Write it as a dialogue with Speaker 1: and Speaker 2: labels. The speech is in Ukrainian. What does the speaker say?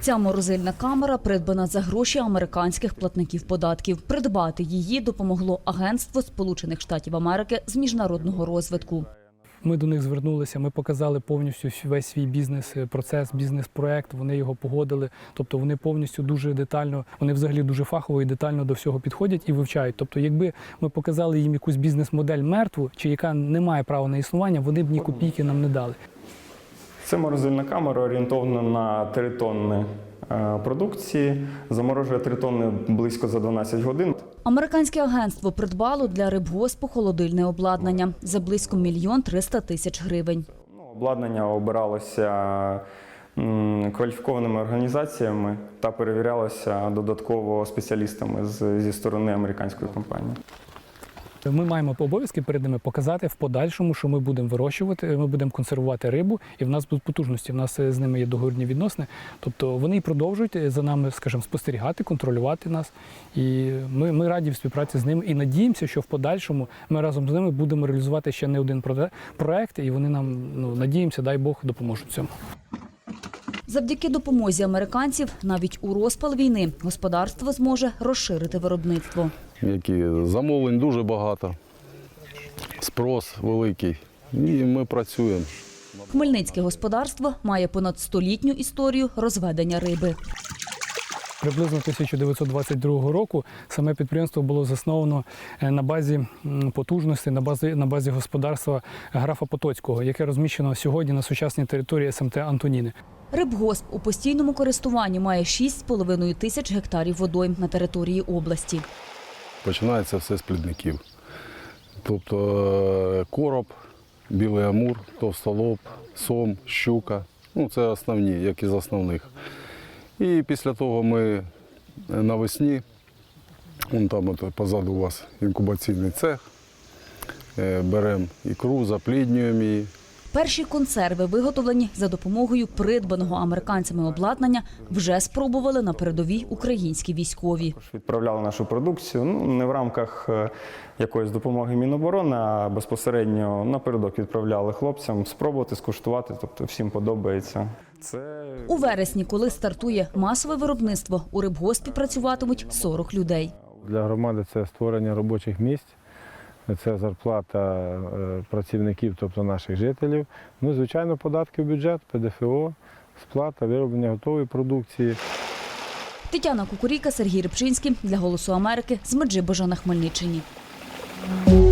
Speaker 1: Ця морозильна камера придбана за гроші американських платників податків. Придбати її допомогло Агентство Сполучених Штатів Америки з міжнародного розвитку.
Speaker 2: Ми до них звернулися, ми показали повністю весь свій бізнес-процес, бізнес-проект, вони його погодили. Тобто вони повністю дуже детально, вони взагалі дуже фахово і детально до всього підходять і вивчають. Тобто якби ми показали їм якусь бізнес-модель мертву, чи яка не має права на існування, вони б ні копійки нам не дали.
Speaker 3: Це морозильна камера орієнтована на 3 тонни продукції, заморожує 3 тонни близько за 12 годин.
Speaker 1: Американське агентство придбало для рибгоспу холодильне обладнання за близько 1 300 000 гривень.
Speaker 3: Обладнання обиралося кваліфікованими організаціями та перевірялося додатково спеціалістами зі сторони американської компанії.
Speaker 2: Ми маємо обов'язки перед ними показати в подальшому, що ми будемо вирощувати, ми будемо консервувати рибу, і в нас будуть потужності, в нас з ними є договірні відносини. Тобто вони і продовжують за нами, скажімо, спостерігати, контролювати нас. І ми раді в співпраці з ними і надіємося, що в подальшому ми разом з ними будемо реалізувати ще не один проект, і вони нам, надіємося, дай Бог, допоможуть в цьому.
Speaker 1: Завдяки допомозі американців навіть у розпал війни господарство зможе розширити виробництво.
Speaker 4: Замовлень дуже багато, спрос великий, і ми працюємо.
Speaker 1: Хмельницьке господарство має понад 100-літню історію розведення риби.
Speaker 2: Приблизно 1922 року саме підприємство було засновано на базі потужності, на базі господарства графа Потоцького, яке розміщено сьогодні на сучасній території СМТ Антоніни.
Speaker 1: Рибгосп у постійному користуванні має 6,5 тисяч гектарів водойм на території області.
Speaker 4: Починається все з плідників. Тобто короб, білий амур, товстолоб, сом, щука. Це основні, як із основних. І після того ми навесні, там позаду у вас інкубаційний цех, беремо ікру, запліднюємо її.
Speaker 1: Перші консерви, виготовлені за допомогою придбаного американцями обладнання, вже спробували на передовій українські військові.
Speaker 3: Відправляли нашу продукцію не в рамках якоїсь допомоги Міноборони, а безпосередньо напередок відправляли хлопцям спробувати, скуштувати, тобто всім подобається.
Speaker 1: У вересні, коли стартує масове виробництво, у рибгоспі працюватимуть 40 людей.
Speaker 5: Для громади це створення робочих місць. Це зарплата працівників, тобто наших жителів. Звичайно, податки в бюджет, ПДФО, сплата, вироблення готової продукції.
Speaker 1: Тетяна Кукурійка, Сергій Рибчинський для «Голосу Америки» з Меджибожа на Хмельниччині.